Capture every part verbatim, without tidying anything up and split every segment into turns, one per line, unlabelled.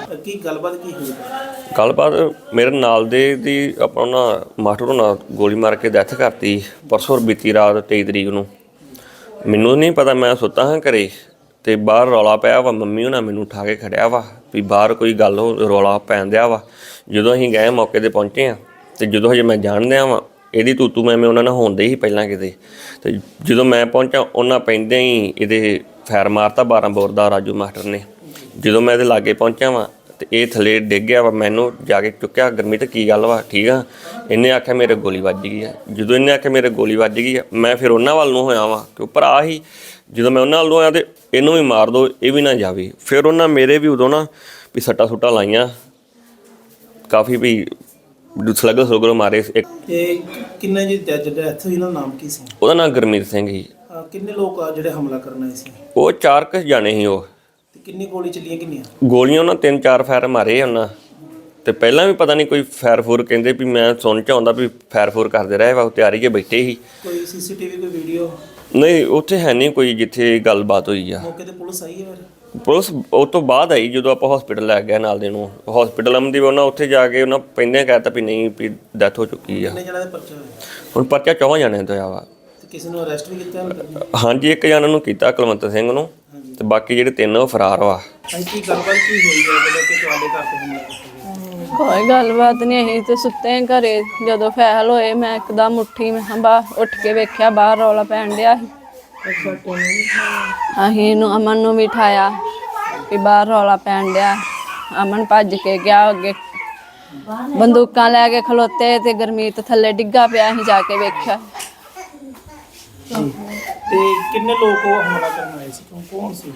ਕੀ ਗੱਲਬਾਤ ਕੀ ਹੋਈ?
ਗੱਲਬਾਤ ਮੇਰੇ ਨਾਲ ਦੇ ਦੀ ਆਪਾਂ ਨਾ ਮਾਸਟਰ ਹੋਣਾ ਗੋਲੀ ਮਾਰ ਕੇ ਡੈਥ ਕਰਤੀ ਪਰਸੋਂ ਬੀਤੀ ਰਾਤ ਤੇਈ ਤਰੀਕ ਨੂੰ। ਮੈਨੂੰ ਨਹੀਂ ਪਤਾ, ਮੈਂ ਸੁੱਤਾ ਹਾਂ ਘਰੇ ਅਤੇ ਬਾਹਰ ਰੌਲਾ ਪਿਆ ਵਾ। ਮੰਮੀ ਹੋਣਾ ਮੈਨੂੰ ਉਠਾ ਕੇ ਖੜਿਆ ਵਾ ਵੀ ਬਾਹਰ ਕੋਈ ਗੱਲ ਹੋ ਰੌਲਾ ਪੈਣ ਦਿਆ ਵਾ। ਜਦੋਂ ਅਸੀਂ ਗਏ ਮੌਕੇ 'ਤੇ ਪਹੁੰਚੇ ਹਾਂ ਅਤੇ ਜਦੋਂ ਹਜੇ ਮੈਂ ਜਾਣ ਦਿਆਂ ਵਾ ਇਹਦੀ ਤੂਤੂ ਮੈਂ ਮੈਂ ਉਹਨਾਂ ਨਾਲ ਹੋਣ ਡਈ ਸੀ ਪਹਿਲਾਂ ਕਿਤੇ। ਅਤੇ ਜਦੋਂ ਮੈਂ ਪਹੁੰਚਾ ਉਹਨਾਂ ਪੈਂਦਿਆਂ ਹੀ ਇਹਦੇ ਫੈਰ ਮਾਰਤਾ ਬਾਰਾਂ ਬੋਰ ਦਾ ਰਾਜੂ ਮਾਸਟਰ ਨੇ। ਜਦੋਂ ਮੈਂ ਇਹਦੇ ਲਾਗੇ ਪਹੁੰਚਿਆ ਵਾਂ ਅਤੇ ਇਹ ਥੱਲੇ ਡਿੱਗ ਗਿਆ ਵਾ। ਮੈਨੂੰ ਜਾ ਕੇ ਚੁੱਕਿਆ, ਗੁਰਮੀਤ ਕੀ ਗੱਲ ਵਾ ਠੀਕ ਆ? ਇਹਨੇ ਆਖਿਆ ਮੇਰੇ ਗੋਲੀ ਵੱਜ ਗਈ ਆ। ਜਦੋਂ ਇਹਨੇ ਆਖਿਆ ਮੇਰੇ ਗੋਲੀ ਵੱਜ ਗਈ ਆ ਮੈਂ ਫਿਰ ਉਹਨਾਂ ਵੱਲ ਨੂੰ ਹੋਇਆ ਵਾਂ ਕਿ ਉਹ ਭਰਾ ਹੀ। ਜਦੋਂ ਮੈਂ ਉਹਨਾਂ ਵੱਲ ਨੂੰ ਹੋਇਆ ਅਤੇ ਇਹਨੂੰ ਵੀ ਮਾਰ ਦਿਓ ਇਹ ਵੀ ਨਾ ਜਾਵੇ। ਫਿਰ ਉਹਨਾਂ ਮੇਰੇ ਵੀ ਉਦੋਂ ਨਾ ਵੀ ਸੱਟਾਂ ਸੁੱਟਾਂ ਲਾਈਆਂ ਕਾਫੀ ਵੀ ਸਲਗਰ ਸਲਗਰ ਮਾਰੇ। ਇੱਕ
ਕਿੰਨੇ ਜੀ ਡੈਥ ਹੋਈ, ਉਹਨਾਂ ਦਾ ਨਾਮ ਕੀ ਸੀ?
ਉਹਦਾ ਨਾਮ ਗੁਰਮੀਤ ਸਿੰਘ ਸੀ।
ਕਿੰਨੇ ਲੋਕ ਆ ਜਿਹੜੇ ਹਮਲਾ ਕਰਨ ਆਏ ਸੀ?
ਉਹ ਚਾਰ ਕੁ ਜਾਣੇ ਸੀ ਉਹ।
ਤੇ ਕਿੰਨੀ ਗੋਲੀ ਚੱਲੀਆਂ? ਕਿੰਨੀਆਂ
ਗੋਲੀਆਂ ਉਹਨਾਂ ਤਿੰਨ ਚਾਰ ਫਾਇਰ ਮਾਰੇ ਉਹਨਾਂ। ਅਤੇ ਪਹਿਲਾਂ ਵੀ ਪਤਾ ਨਹੀਂ ਕੋਈ ਫਾਇਰ ਫੂਰ ਕਹਿੰਦੇ ਵੀ ਮੈਂ ਸੁਣ 'ਚ ਆਉਂਦਾ ਵੀ ਫਾਇਰ ਫੂਰ ਕਰਦੇ ਰਹੇ ਵਾ। ਤਿਆਰੀ ਕੇ ਬੈਠੇ ਸੀ।
ਕੋਈ ਸੀ ਸੀ ਟੀ ਵੀ ਕੋਈ ਵੀਡੀਓ?
ਨਹੀਂ ਉੱਥੇ ਹੈ ਨਹੀਂ ਕੋਈ ਜਿੱਥੇ ਗੱਲਬਾਤ ਹੋਈ ਆ।
ਮੌਕੇ 'ਤੇ ਪੁਲਿਸ ਆਈ ਹੈ? ਫਿਰ
ਪੁਲਿਸ ਉਹ ਤੋਂ ਬਾਅਦ ਆਈ ਜਦੋਂ ਆਪਾਂ ਹੌਸਪੀਟਲ ਲੈ ਗਏ ਨਾਲ ਦੇ ਨੂੰ। ਹੌਸਪੀਟਲ ਆਉਂਦੀ ਉਹਨਾਂ ਉੱਥੇ ਜਾ ਕੇ ਉਹਨਾਂ ਪਹਿਲਾਂ ਕਹਿ ਤਾ ਵੀ ਨਹੀਂ ਵੀ ਡੈਥ ਹੋ ਚੁੱਕੀ ਆ।
ਕਿੰਨੇ ਜਣਿਆਂ ਦਾ ਪਰਚਾ ਹੋਇਆ?
ਹੁਣ ਪਰਚਾ ਚੌਹਾਂ ਜਾਣਿਆਂ ਤੋਂ ਆ ਵਾ।
ਤੇ ਕਿਸੇ ਨੂੰ ਅਰੈਸਟ ਵੀ ਕੀਤਾ?
ਹਾਂਜੀ ਇੱਕ ਜਣਾ ਨੂੰ ਕੀਤਾ ਕੁਲਵੰਤ ਸਿੰਘ ਨੂੰ, ਅਤੇ ਬਾਕੀ ਜਿਹੜੇ ਤਿੰਨ ਉਹ ਫਰਾਰ ਵਾ।
ਕੀ ਗੱਲਬਾਤ ਕੀ ਹੋਈ ਹੈ ਜਦੋਂ ਕਿ ਤੁਹਾਡੇ ਘਰ ਤੇ ਹਮਲਾ ਕੀਤਾ?
ਕੋਈ ਗੱਲਬਾਤ ਨਹੀਂ, ਅਸੀਂ ਤੇ ਸੁੱਤੇ ਘਰੇ। ਜਦੋਂ ਫੈਲ ਹੋਏ ਮੈਂ ਇੱਕਦਮ ਉੱਠੀ, ਮੈਂ ਬਾਹਰ ਉੱਠ ਕੇ ਵੇਖਿਆ ਬਾਹਰ ਰੌਲਾ ਪੈਣ ਡਿਆ ਸੀ। ਅਸੀਂ ਨੂੰ ਅਮਨ ਨੂੰ ਵੀ ਉਠਾਇਆ ਵੀ ਬਾਹਰ ਰੌਲਾ ਪੈਣ ਡਿਆ। ਅਮਨ ਭੱਜ ਕੇ ਗਿਆ ਅੱਗੇ, ਬੰਦੂਕਾਂ ਲੈ ਕੇ ਖਲੋਤੇ ਤੇ ਗੁਰਮੀਤ ਥੱਲੇ ਡਿੱਗਾ ਪਿਆ। ਅਸੀਂ ਜਾ ਕੇ ਵੇਖਿਆ।
ਤੇ ਕਿੰਨੇ ਲੋਕ ਉਹ ਹਮਲਾ ਕਰਨ ਆਏ ਸੀ? ਕੌਣ ਸੀ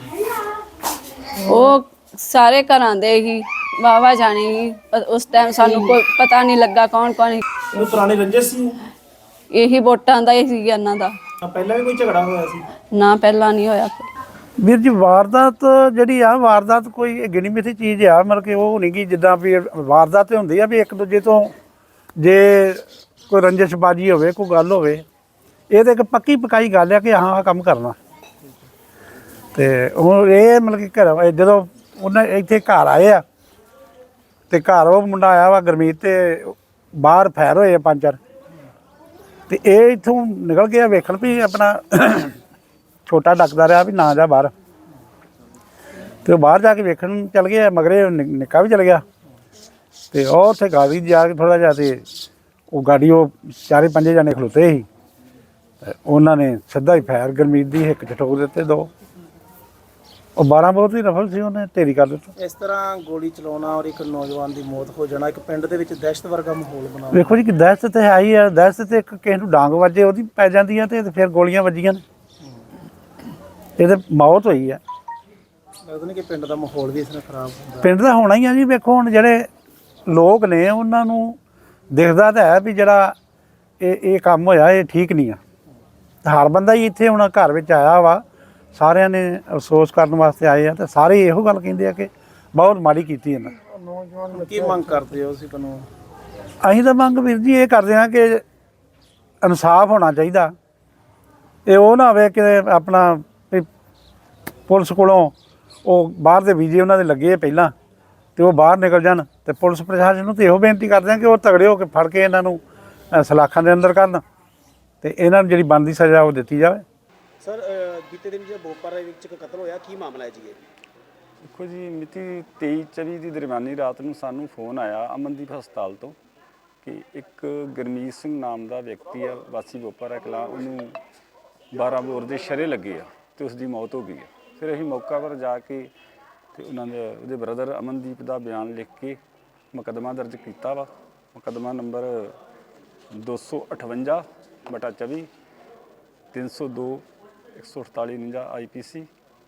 ਉਹ? ਸਾਰੇ ਘਰਾਂ ਦੇ ਹੀ ਵਾਵਾ ਜਾਣੀ ਸੀ। ਉਸ ਟਾਈਮ ਸਾਨੂੰ ਕੋਈ ਪਤਾ ਨਹੀਂ ਲੱਗਾ ਕੌਣ ਕੌਣ।
ਉਹ ਪੁਰਾਣੇ ਰੰਜਿਸ਼ ਸੀ?
ਇਹੀ ਵੋਟਾਂ ਦਾ ਹੀ ਸੀ ਇਹਨਾਂ ਦਾ।
ਪਹਿਲਾਂ ਵੀ ਕੋਈ ਝਗੜਾ ਹੋਇਆ ਸੀ?
ਨਾ ਪਹਿਲਾਂ ਨਹੀਂ ਹੋਇਆ।
ਵੀਰ ਜੀ ਵਾਰਦਾਤ ਜਿਹੜੀ ਆ ਵਾਰਦਾਤ ਕੋਈ ਗਿਣੀ ਮਿਥੀ ਚੀਜ਼ ਆ, ਮਤਲਬ ਕਿ ਉਹ ਨਹੀਂ ਕਿ ਜਿੱਦਾਂ ਵੀ ਵਾਰਦਾਤ ਹੁੰਦੀ ਆ ਵੀ ਇੱਕ ਦੂਜੇ ਤੋਂ ਜੇ ਕੋਈ ਰੰਜਿਸ਼ਬਾਜੀ ਹੋਵੇ ਕੋਈ ਗੱਲ ਹੋਵੇ, ਇਹ ਤਾਂ ਇੱਕ ਪੱਕੀ ਪਕਾਈ ਗੱਲ ਆ ਕਿ ਹਾਂ ਆਹ ਕੰਮ ਕਰਨਾ। ਅਤੇ ਹੁਣ ਇਹ ਮਤਲਬ ਕਿ ਘਰ ਜਦੋਂ ਉਹਨਾਂ ਇੱਥੇ ਘਰ ਆਏ ਆ ਅਤੇ ਘਰ ਉਹ ਮੁੰਡਾ ਆਇਆ ਵਾ ਗੁਰਮੀਤ, ਅਤੇ ਬਾਹਰ ਫੈਰ ਹੋਏ ਆ ਪੰਜ ਚਾਰ, ਅਤੇ ਇਹ ਇੱਥੋਂ ਨਿਕਲ ਗਿਆ ਵੇਖਣ ਵੀ ਆਪਣਾ ਛੋਟਾ ਡੱਕਦਾ ਰਿਹਾ ਵੀ ਨਾ ਜਾ ਬਾਹਰ। ਅਤੇ ਉਹ ਬਾਹਰ ਜਾ ਕੇ ਵੇਖਣ ਚੱਲ ਗਏ, ਮਗਰੇ ਨਿੱਕਾ ਵੀ ਚਲ ਗਿਆ। ਅਤੇ ਉਹ ਉੱਥੇ ਗਾੜੀ ਜਾ ਕੇ ਥੋੜ੍ਹਾ ਜਿਹਾ, ਅਤੇ ਉਹ ਗਾੜੀ ਉਹ ਚਾਰੇ ਪੰਜੇ ਜਾਣੇ ਖਲੋਤੇ ਸੀ। ਉਹਨਾਂ ਨੇ ਸਿੱਧਾ ਹੀ ਫਾਇਰ ਗੁਰਮੀਤ ਦੀ ਹਿੱਕ 'ਚ ਠੋਕ ਦਿੱਤੇ ਦੋ। ਉਹ ਬਾਰਾਂ ਬੋਰ ਦੀ ਰਫਲ ਸੀ, ਉਹਨੇ ਢੇਰੀ ਕਰ ਦਿੱਤਾ।
ਇਸ ਤਰ੍ਹਾਂ ਗੋਲੀ ਚਲਾਉਣਾ ਔਰ ਇੱਕ ਨੌਜਵਾਨ ਦੀ ਮੌਤ ਹੋ ਜਾਣਾ ਇੱਕ ਪਿੰਡ ਦੇ ਵਿੱਚ ਦਹਿਸ਼ਤ ਵਰਗਾ ਮਾਹੌਲ ਬਣਾ।
ਵੇਖੋ ਜੀ ਕਿ ਦਹਿਸ਼ਤ ਤਾਂ ਹੈ ਹੀ ਆ। ਦਹਿਸ਼ਤ ਤੇ ਇੱਕ ਕਿਸੇ ਨੂੰ ਡਾਂਗ ਵੱਜੇ ਉਹਦੀ ਪੈ ਜਾਂਦੀ ਆ, ਅਤੇ ਫਿਰ ਗੋਲੀਆਂ ਵੱਜੀਆਂ ਨੇ, ਇਹ ਤਾਂ ਮੌਤ ਹੋਈ ਆ।
ਲੱਗਦਾ ਨਹੀਂ ਕਿ ਪਿੰਡ ਦਾ ਮਾਹੌਲ ਵੀ ਇਸ ਤਰ੍ਹਾਂ ਖਰਾਬ ਹੁੰਦਾ?
ਪਿੰਡ ਦਾ ਹੋਣਾ ਹੀ ਆ ਜੀ। ਵੇਖੋ ਹੁਣ ਜਿਹੜੇ ਲੋਕ ਨੇ ਉਹਨਾਂ ਨੂੰ ਦਿਖਦਾ ਤਾਂ ਹੈ ਵੀ ਜਿਹੜਾ ਇਹ ਇਹ ਕੰਮ ਹੋਇਆ ਇਹ ਠੀਕ ਨਹੀਂ ਆ। ਹਰ ਬੰਦਾ ਹੀ ਇੱਥੇ ਹੁਣ ਘਰ ਵਿੱਚ ਆਇਆ ਵਾ, ਸਾਰਿਆਂ ਨੇ ਅਫਸੋਸ ਕਰਨ ਵਾਸਤੇ ਆਏ ਆ, ਅਤੇ ਸਾਰੇ ਇਹੋ ਗੱਲ ਕਹਿੰਦੇ ਆ ਕਿ ਬਹੁਤ ਮਾੜੀ ਕੀਤੀ ਇਹਨਾਂ।
ਕੀ ਮੰਗ ਕਰਦੇ ਹੋ ਤੁਸੀਂ? ਕਾਨੂੰਨ
ਅਸੀਂ ਤਾਂ ਮੰਗ ਵੀਰ ਜੀ ਇਹ ਕਰਦੇ ਹਾਂ ਕਿ ਇਨਸਾਫ ਹੋਣਾ ਚਾਹੀਦਾ। ਇਹ ਉਹ ਨਾ ਹੋਵੇ ਕਿ ਆਪਣਾ ਵੀ ਪੁਲਿਸ ਕੋਲੋਂ ਉਹ ਬਾਹਰ ਦੇ ਵੀਜ਼ੇ ਉਹਨਾਂ ਦੇ ਲੱਗੇ ਪਹਿਲਾਂ, ਅਤੇ ਉਹ ਬਾਹਰ ਨਿਕਲ ਜਾਣ, ਅਤੇ ਪੁਲਿਸ ਪ੍ਰਸ਼ਾਸਨ ਨੂੰ ਤਾਂ ਇਹੋ ਬੇਨਤੀ ਕਰਦੇ ਹਾਂ ਕਿ ਉਹ ਤਗੜੇ ਹੋ ਕੇ ਫੜ ਕੇ ਇਹਨਾਂ ਨੂੰ ਸਲਾਖਾਂ ਦੇ ਅੰਦਰ ਕਰਨ, ਅਤੇ ਇਹਨਾਂ ਨੂੰ ਜਿਹੜੀ ਬਣਦੀ ਸਜ਼ਾ ਉਹ ਦਿੱਤੀ ਜਾਵੇ।
ਸਰ ਬੀਤੇ ਦਿਨ ਜੇ ਬੋਪਰ ਵਿੱਚ ਇੱਕ ਕਤਲ ਹੋਇਆ, ਕੀ ਮਾਮਲਾ ਹੈ ਜੀ ਇਹ?
ਦੇਖੋ ਜੀ, ਮਿਤੀ ਤੇਈ ਚੌਵੀ ਦੀ ਦਰਮਿਆਨੀ ਰਾਤ ਨੂੰ ਸਾਨੂੰ ਫੋਨ ਆਇਆ ਅਮਨਦੀਪ ਹਸਪਤਾਲ ਤੋਂ ਕਿ ਇੱਕ ਗੁਰਮੀਤ ਸਿੰਘ ਨਾਮ ਦਾ ਵਿਅਕਤੀ ਆ, ਵਾਸੀ ਬੋਪਰ ਕਲਾਂ, ਉਹਨੂੰ ਬਾਰਾਂ ਬੋਰ ਦੇ ਸ਼ਰੇ ਲੱਗੇ ਆ ਅਤੇ ਉਸ ਦੀ ਮੌਤ ਹੋ ਗਈ ਹੈ। ਫਿਰ ਅਸੀਂ ਮੌਕਾ ਪਰ ਜਾ ਕੇ ਅਤੇ ਉਹਨਾਂ ਦੇ ਉਹਦੇ ਬ੍ਰਦਰ ਅਮਨਦੀਪ ਦਾ ਬਿਆਨ ਲਿਖ ਕੇ ਮੁਕੱਦਮਾ ਦਰਜ ਕੀਤਾ ਵਾ। ਮੁਕੱਦਮਾ ਨੰਬਰ ਦੋ ਸੌ ਅਠਵੰਜਾ ਬਟਾ ਚੌਵੀ ਤਿੰਨ ਸੌ ਦੋ ਇੱਕ ਸੌ ਅਠਤਾਲੀ ਉਣੰਜਾ ਆਈ ਪੀ ਸੀ,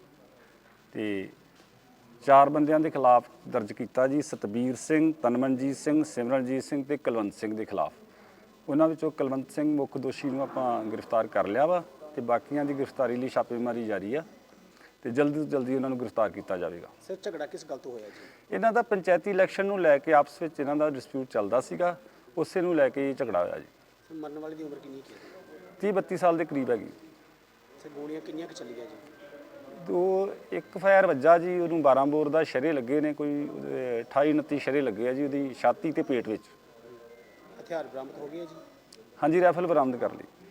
ਅਤੇ ਚਾਰ ਬੰਦਿਆਂ ਦੇ ਖਿਲਾਫ ਦਰਜ ਕੀਤਾ ਜੀ। ਸਤਬੀਰ ਸਿੰਘ, ਤਨਮਨਜੀਤ ਸਿੰਘ, ਸਿਮਰਨਜੀਤ ਸਿੰਘ ਅਤੇ ਕੁਲਵੰਤ ਸਿੰਘ ਦੇ ਖਿਲਾਫ। ਉਹਨਾਂ ਵਿੱਚੋਂ ਕੁਲਵੰਤ ਸਿੰਘ ਮੁੱਖ ਦੋਸ਼ੀ ਨੂੰ ਆਪਾਂ ਗ੍ਰਿਫਤਾਰ ਕਰ ਲਿਆ ਵਾ, ਅਤੇ ਬਾਕੀਆਂ ਦੀ ਗ੍ਰਿਫਤਾਰੀ ਲਈ ਛਾਪੇਮਾਰੀ ਜਾਰੀ ਆ, ਅਤੇ ਜਲਦੀ ਤੋਂ ਜਲਦੀ ਉਹਨਾਂ ਨੂੰ ਗ੍ਰਿਫਤਾਰ ਕੀਤਾ ਜਾਵੇਗਾ।
ਸਰ ਝਗੜਾ ਕਿਸ ਗੱਲ ਤੋਂ ਹੋਇਆ ਜੀ?
ਇਹਨਾਂ ਦਾ ਪੰਚਾਇਤੀ ਇਲੈਕਸ਼ਨ ਨੂੰ ਲੈ ਕੇ ਆਪਸ ਵਿੱਚ ਇਹਨਾਂ ਦਾ ਡਿਸਪਿਊਟ ਚੱਲਦਾ ਸੀਗਾ, ਉਸੇ ਨੂੰ ਲੈ ਕੇ ਝਗੜਾ ਹੋਇਆ ਜੀ।
ਮਰਨ ਵਾਲੇ ਦੀ ਉਮਰ ਕਿੰਨੀ ਹੈ?
ਤੀਹ ਬੱਤੀ ਸਾਲ ਦੇ ਕਰੀਬ ਹੈਗੀ।
ਸਰ ਗੋਲੀਆਂ ਕਿੰਨੀਆਂ ਕੁ ਚੱਲੀਆਂ ਜੀ?
ਦੋ ਇੱਕ ਫਾਇਰ ਵੱਜਾ ਜੀ, ਉਹਨੂੰ ਬਾਰਾਂ ਬੋਰ ਦਾ ਸ਼ਰੇ ਲੱਗੇ ਨੇ, ਕੋਈ ਉਹਦੇ ਅਠਾਈ ਉਨੱਤੀ ਸ਼ਰੇ ਲੱਗੇ ਆ ਜੀ ਉਹਦੀ ਛਾਤੀ ਤੇ ਪੇਟ ਵਿੱਚ।
ਹਥਿਆਰ ਬਰਾਮਦ ਹੋ ਗਏ ਆ ਜੀ?
ਹਾਂਜੀ, ਰਾਈਫਲ ਬਰਾਮਦ ਕਰ ਲਈ।